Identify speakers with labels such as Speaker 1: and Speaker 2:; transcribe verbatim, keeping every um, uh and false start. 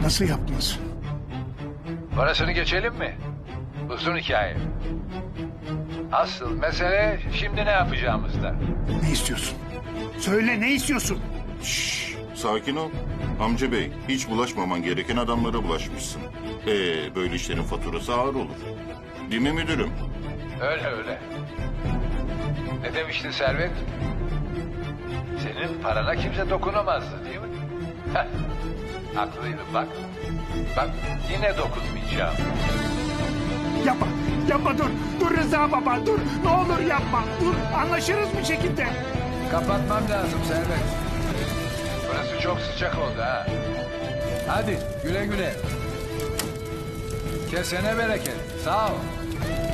Speaker 1: Nasıl yaptınız?
Speaker 2: Orasını geçelim mi? Uzun hikaye. Asıl mesele şimdi ne yapacağımızda.
Speaker 1: Ne istiyorsun? Söyle, ne istiyorsun?
Speaker 3: Şşş, sakin ol. Amca bey, hiç bulaşmaman gereken adamlara bulaşmışsın. Ee, böyle işlerin faturası ağır olur. Değil mi müdürüm?
Speaker 2: Öyle öyle. Ne demiştin Servet? Senin parana kimse dokunamazdı değil mi? Heh, haklıydın bak. Bak yine dokunmayacağım.
Speaker 1: Yapma, yapma dur. Dur Rıza baba, dur. Ne olur yapma. Dur, anlaşırız bir şekilde.
Speaker 2: Kapatmam lazım Servet. Burası çok sıcak oldu ha. Hadi güle güle. Kesene bereket. Sağ ol.